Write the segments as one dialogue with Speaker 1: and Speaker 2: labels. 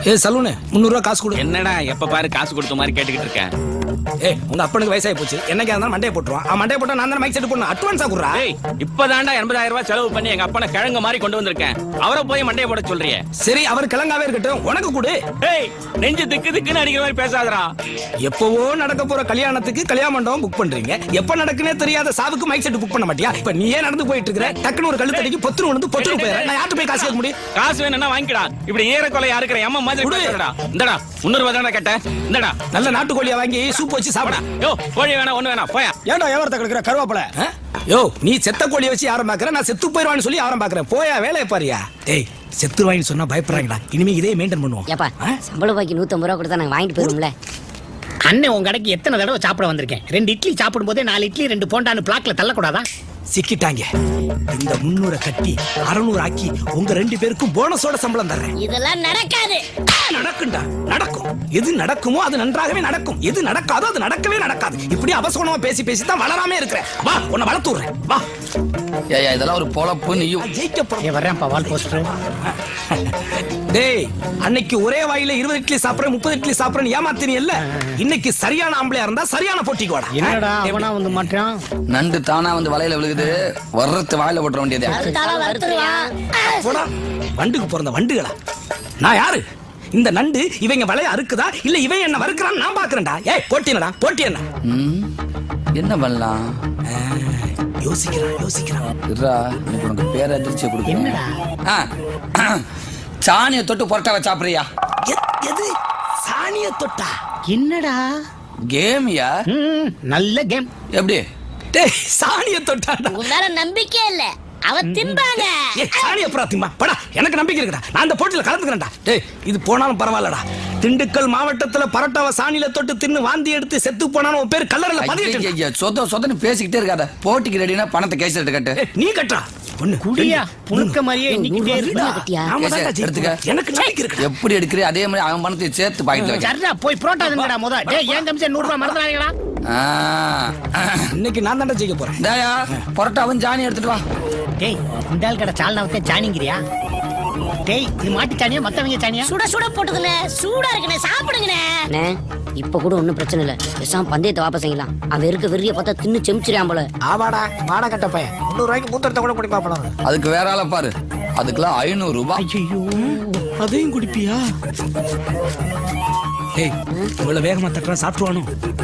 Speaker 1: Saloon 300 ரூபா காசு கொடு.
Speaker 2: என்னடா எப்ப பாரு காசு கொடுத்த மாதிரி கேட்டுக்கிட்டு இருக்கேன்.
Speaker 1: உங்க அப்பனுக்கு வயசாகி போச்சு, என்னைக்கா இருந்தாலும் மண்டையை போட்டுருவான். மண்டையை போட்டா நான் தான் மைக் செட் போடணும். அட்வான்ஸா குடுறா.
Speaker 2: இப்பதான்டா 80,000 ரூபாய் செலவு பண்ணி எங்க அப்பனை கிழங்கு மாதிரி கொண்டு வந்திருக்கேன். அவரை போய் மண்டையை போட சொல்றியே.
Speaker 1: சரி, அவர் கிழங்காவே இருக்கட்டும், உனக்கு கொடு.
Speaker 2: நெஞ்சு திக்கு திக்குன்னு அடிக்கிற மாதிரி பேசாதடா.
Speaker 1: எப்பவோ நடக்க போற கல்யாணத்துக்கு கல்யாண மண்டபம் புக் பண்றீங்க, எப்ப நடக்குனே தெரியாத சாவுக்கு மைக் செட் புக் பண்ண மாட்டியா? இப்ப நீயே நடந்து போயிட்டு இருக்கிற, டக்குனு ஒரு கழுத்தடிக்கு பொத்துரு வந்து பொத்துரு போயிற. நான் யார்கிட்ட போய் காசு கேட்க முடியும்?
Speaker 2: காசு வேணும்னா வாங்கிடா. இப்படி ஏறக்கொலை யாருக்கிற அம்மா மாதிரி பேசுறடா. இந்தடா 300 ரூபாய் தானே கேட்டேன். இந்தடா
Speaker 1: நல்ல நாட்டுக்கோழியா வாங்கி சூப் வச்சு சாப்பிடா.
Speaker 2: யோ கோழி வேணா ஒண்ணு வேணா போயா.
Speaker 1: ஏன்டா வியாபாரத்தை கொடுக்குற கருவாப்பல? யோ நீ செத்த கோழியை வச்சு யாரும் பாக்குற, நான் செத்து போயிருவான்னு சொல்லி யாரும் பாக்குறேன். போயா வேலையை பாரியா. டேய் செத்துருவாயின்னு சொன்னா பயப்படுறாங்கடா. இனிமே இதே மெயின்டைன் பண்ணுவோம்.
Speaker 3: ஏப்பா சம்பள பாக்கி 150 ரூபா கொடுத்தா நாங்க வாங்கிட்டு போயிருவோம்ல.
Speaker 4: அண்ணே உங்க கடைக்கு எத்தனை தடவை சாப்பிட வந்திருக்கேன். 2 இட்லி சாப்பிடும் போதே 4 இட்லி 2 போண்டான்னு பிளாக்ல தள்ளக்கூடாதா?
Speaker 1: சிக்கிட்டாங்க. இந்த 300 கட்டி 600 ஆக்கி உங்க 2 பேருக்கும் போனஸோட சம்பளம் தர்றேன்.
Speaker 3: இதெல்லாம் நடக்காது.
Speaker 1: நடக்கும்டா, நடக்கும். எது நடக்குமோ அது நன்றாகவே நடக்கும், எது நடக்காதோ அது நடக்கவே நடக்காது. இப்படி அபசகுணமா பேசி பேசி தான் வளராமே இருக்கிறேன். வா உன்னை வளர்த்து விடுறேன். வா.
Speaker 5: ஏய் இதெல்லாம் ஒரு பொழப்பு. நீயும்
Speaker 1: ஜெயிக்க போற.
Speaker 4: வர்றேன்ப்பா வால் போஸ்டர்.
Speaker 1: டேய் அன்னைக்கு ஒரே வாயில 20 இட்லி சாப்பிடுறேன் 30 இட்லி சாப்பிடுறேன் ஏமாத்தினியல்ல. இன்னைக்கு சரியான ஆம்பளையா இருந்தா சரியான போட்டிக்கு வாடா.
Speaker 4: என்னடா அவனா வந்து மாட்டான்.
Speaker 5: நண்டு தானா வந்து வலையில விழுகுது, வர்றது வாயில போட்டுற வேண்டியதே.
Speaker 1: போடா வண்டுக்கு பிறந்த வண்டுகளா. நான் யாரு? இந்த நண்டு இவங்க வலைய அறுக்குதா இல்ல இவன் என்ன வறுக்குறான்னு நான் பாக்குறேன்டா. ஏய் போட்டினடா போட்டி என்ன?
Speaker 5: என்ன பண்ணலாம்?
Speaker 1: யோசிக்கிறான்.
Speaker 5: இருடா எனக்கு உனக்கு பேர் அதிர்ச்சியை கொடுக்கணும்.
Speaker 4: என்னடா
Speaker 5: சாணியை தொட்டு பொரட்டாவை சாப்பிடுறியா?
Speaker 1: எது சாணிய தொட்டா?
Speaker 4: என்னடா
Speaker 5: கேமியா?
Speaker 4: நல்ல கேம்.
Speaker 5: எப்படி?
Speaker 1: டேய் சாணிய தொட்டாடா.
Speaker 3: உன்னால நம்பிக்கை இல்ல, அவ திம்பாங்க.
Speaker 1: சாணிய புறா திம்பா. படா எனக்கு நம்பிக்கை இருக்குடா, நான் அந்த போட்டியில கலந்துக்கிறேன்டா. டேய் இது போனாலும் பரவாயில்லடா. திண்டுக்கல் மாவட்டத்துல பரோட்டாவை சாணியில தொட்டு தின்னு வாந்தி எடுத்து செத்து போனாலும் உன் பேர் கல்லறையில பதியட்டு.
Speaker 5: சொதன்னு பேசிக்கிட்டே இருக்காத. போட்டிக்கு ரெடினா பணத்தை கேஸ் கட்டு.
Speaker 1: நீ கட்டுறா. ஒண்ணு
Speaker 4: குடியா புழுக்க மாதிரியே இன்னைக்கு
Speaker 5: எடுத்துக்க.
Speaker 1: எனக்கு நம்பிக்கை இருக்கு.
Speaker 5: எப்படி எடுக்கிறே அதே மாதிரி அவன் பணத்தை சேர்த்து பாக்கெட்ல வை.
Speaker 4: சரிடா போய் புரோட்டா திங்கடா முத. டேய் ஏன் கமிஷன் 100 ரூபாய் மறந்துறாங்கடா.
Speaker 1: இன்னைக்கு நான் தான் ஜெயிக்க போறேன்.
Speaker 5: டேயா பரோட்டாவும் சாணி எடுத்துட்டு வா.
Speaker 4: டேய் இந்த ஆள் கடை சால்னாவத்தே சாணிங்கிறியா? டேய் இது மாட்டு சாணியா மத்தவங்க சாணியா?
Speaker 3: சுட சுட போட்டுதுனே, சூடா இருக்குனே, சாப்பிடுங்கனே. அண்ணே இப்ப கூட ஒண்ணும் பிரச்சனை இல்ல, பேசாம பந்தயத்தை வாபஸ் செய்யலாம். அவன் இருக்க வெறிய பார்த்தா தின்னு செமிச்சிரான் போல.
Speaker 1: ஆவாடா மாட கட்ட பையன் 300 ரூபாய்க்கு மூத்தரத்தை கூட குடி பாப்பலாம்.
Speaker 5: அதுக்கு வேற ஆள பாரு, அதுக்குலாம் 500 ரூபாய்.
Speaker 4: ஐயோ
Speaker 1: அதையும் குடிப்பியா? ஏய் இவ்வளவு வேகமா தட்டறா சாப்பிடுவானோ?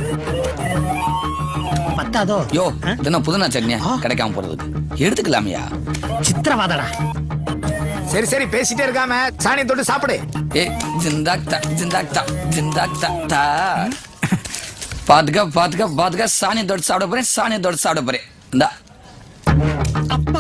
Speaker 4: பத்தாதோ?
Speaker 5: யோ தினம் புதுனா சட்னியா கிடைக்காம போறதுக்கு எடுத்துக்கலாமியா?
Speaker 4: சித்திரவாதடா.
Speaker 1: சரி சரி பேசிட்டே இருக்காம சாணியை தொட்டு சாப்பிடு.
Speaker 5: ஏ ஜிந்தாக்தா ஜிந்தாக்தா ஜிந்தாக்தா. பாத்துக்க பாத்துக்க பாத்துக்க. சாணியை தொட்டு சாப்பிட போறேன், சாணியை தொட்டு சாப்பிட போறேன். இந்தா
Speaker 4: அப்பா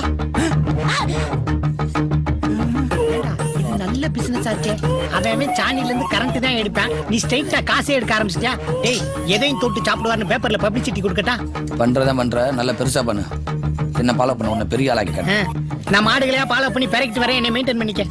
Speaker 4: இது நல்ல பிசினஸ் ஆச்சே. அவன் சாணில இருந்து கரண்ட் தான் எடுப்பான், நீ ஸ்ட்ரைட்டா காசே எடுக்க ஆரம்பிச்சிட்டியா? டேய் எதையும் தொட்டு சாப்பிடுவார்னு பேப்பர்ல பப்ளிசிட்டி கொடுக்கட்டா?
Speaker 5: பண்றதா பண்ற, நல்ல பெருசா பண்ணு. என்ன ஃபாலோ பண்ண, உன்னை பெரிய ஆளாக்கி.
Speaker 4: நான் மாடுகளையா ஃபாலோ பண்ணி பெரக்கிட்டு வரேன், என்னை மெயின்டைன் பண்ணிக்க.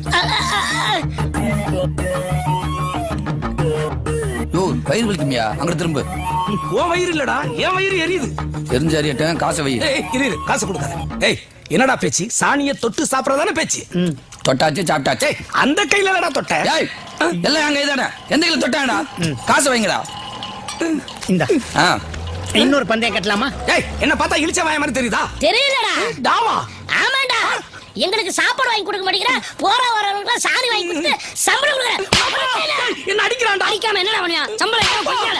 Speaker 5: யோ வயிறு வலிக்குமியா? அங்க திரும்ப.
Speaker 1: ஓ வயிறு இல்லடா என் வயிறு எரியுது.
Speaker 5: எரிஞ்சு அறியட்டும், காசை வை.
Speaker 1: இரு காசு கொடுக்காத. ஏய் என்னடா பேச்சு? சாணியை தொட்டு சாப்பிடறதானே பேச்சு?
Speaker 5: தொட்டாச்சு சாப்பிட்டாச்சு.
Speaker 1: அந்த கையில இல்லடா தொட்ட.
Speaker 5: ஏய் எல்லாம் என் கைதானே, எந்த கையில தொட்டாடா? காசை வைங்கடா.
Speaker 4: இந்த இன்னொரு பந்தயம் கட்டலாமா?
Speaker 1: ஏய் என்ன பார்த்தா இழிச்ச வாய மாதிரி தெரியுதா?
Speaker 3: தெரியலடா.
Speaker 1: டாமா
Speaker 3: ஆமாடா, எங்களுக்கு சாப்பாடு வாங்கி கொடுக்க மாட்டேங்கிற, போற வரவங்களுக்கு சாணி வாங்கி கொடுத்து சம்பளம் கொடுக்குற.
Speaker 1: என்ன அடிக்கிறான்டா?
Speaker 3: அடிக்காம என்னடா பண்ணியா? சம்பளம் ஏன் கொடுக்கல?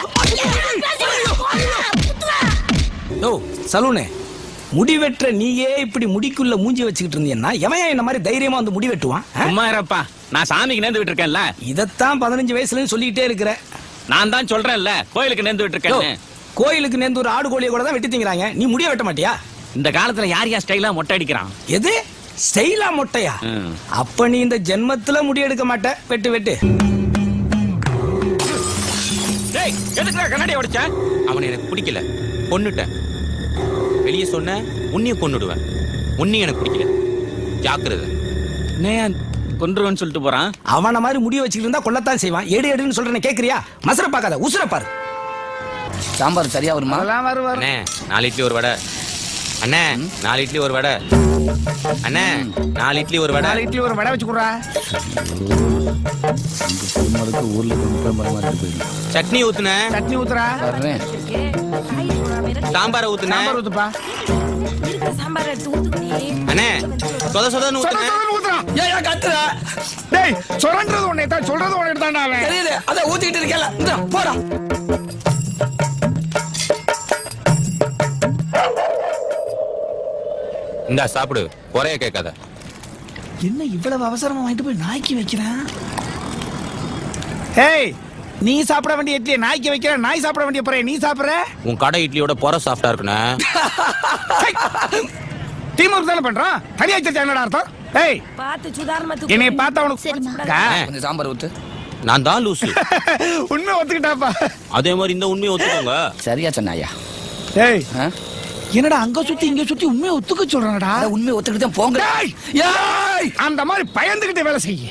Speaker 1: யோ சலூனே, முடி வெட்டுற நீயே இப்படி முடிக்குள்ள மூஞ்சி வச்சுக்கிட்டு இருந்தீங்கன்னா எவன் என்ன மாதிரி தைரியமா வந்து முடி வெட்டுவான்?
Speaker 2: சும்மா இருப்பா, நான் சாமிக்கு நேர்ந்து விட்டு இருக்கேன்ல.
Speaker 1: இதத்தான் 15 வயசுல சொல்லிட்டே இருக்கிற.
Speaker 2: நான் தான் சொல்றேன்ல கோயிலுக்கு நேர்ந்து விட்டு இருக்கேன்.
Speaker 1: கோயிலுக்கு நேர்ந்து ஒரு ஆடு கோழியை கூட தான் வெட்டி திங்கறாங்க, நீ முடிய வெட்ட மாட்டியா?
Speaker 2: இந்த காலத்துல யார் யார் ஸ்டைலா மொட்டை அடிக்கிறான்?
Speaker 1: எது ஸ்டைலா மொட்டையா? அப்ப நீ இந்த ஜென்மத்துல முடி எடுக்க மாட்ட. வெட்டு வெட்டு.
Speaker 2: டேய் எதுக்குடா கண்ணாடி உடைச்ச? அவனை எனக்கு பிடிக்கல, கொன்னுட்டேன். வெளியே சொன்ன உன்னையும் கொன்னுடுவேன். உன்னையும் எனக்கு பிடிக்கல, ஜாக்கிரதை. நான் கொன்றுவேன்னு சொல்லிட்டு போறான்.
Speaker 1: அவன மாதிரி முடிய வச்சுக்கிட்டு இருந்தா கொல்லத்தான் செய்வான். எடு எடுன்னு சொல்றேன் கேக்குறியா? மசர பாக்காத, உசுர பாரு.
Speaker 5: சாம்பார் சரியா வருமா?
Speaker 1: வரும்.
Speaker 2: அண்ணே 4 இட்லி ஒரு வடை. அண்ணே 4 இட்லி ஒரு வடை. அண்ணே 4 இட்லி ஒரு வடை.
Speaker 6: 4 இட்லி ஒரு வடை வச்சு குடுறா.
Speaker 5: திருமணத்துக்கு ஊர்ல கொண்டு பரமாத்தி போயிடும்.
Speaker 2: சட்னி ஊத்துனே.
Speaker 6: சட்னி ஊத்துறா.
Speaker 5: வர்றேன்.
Speaker 2: சாம்பார் ஊத்துனே.
Speaker 6: சாம்பார் ஊத்துப்பா.
Speaker 2: அண்ணே சொத சொதன்னு ஊத்துனே.
Speaker 6: சொல்றது ஊத்துறா.
Speaker 1: ஏன் கத்துற?
Speaker 6: டேய் சொல்றது ஒண்ணே தான், சொல்றது ஒண்ணே தான்டா அவன்.
Speaker 1: தெரியுது, அத ஊத்திட்டு இருக்கல. இந்த போடா.
Speaker 2: இந்தா சாப்பிடு, குறைய கேட்காத.
Speaker 1: என்ன இவ்வளவு அவசரமா வாங்கிட்டு போய் நாய்க்கு வைக்கிறேன்?
Speaker 6: ஏய் நீ சாப்பிட வேண்டிய இட்லியை நாய்க்கு வைக்கிற, நாய் சாப்பிட வேண்டிய பொறைய நீ சாப்பிடுற.
Speaker 2: உன் கடை இட்லியோட பொற சாஃப்டா இருக்குண்ணே.
Speaker 6: டீம் ஒர்க் தானே பண்றோம், தனியா வச்சிருச்சா என்னடா அர்த்தம்? ஏய் என்னை பார்த்தா உனக்கு
Speaker 5: கொஞ்சம் சாம்பார் ஊத்து.
Speaker 2: நான் தான் லூசு.
Speaker 6: உண்மை ஒத்துக்கிட்டாப்பா.
Speaker 2: அதே மாதிரி இந்த உண்மையை ஒத்துக்கோங்க.
Speaker 5: சரியா சொன்னாயா?
Speaker 6: ஏய்
Speaker 5: ஆ?
Speaker 6: என்னடா அங்க சுத்தி இங்க சுத்தி உண்மையை ஒத்துக்க சொல்றானடா.
Speaker 5: உண்மையை ஒத்துக்கிட்டு தான் போங்க.
Speaker 6: ஏய், ஏய், அந்த மாதிரி பயந்துகிட்டு வேலை செய்ய.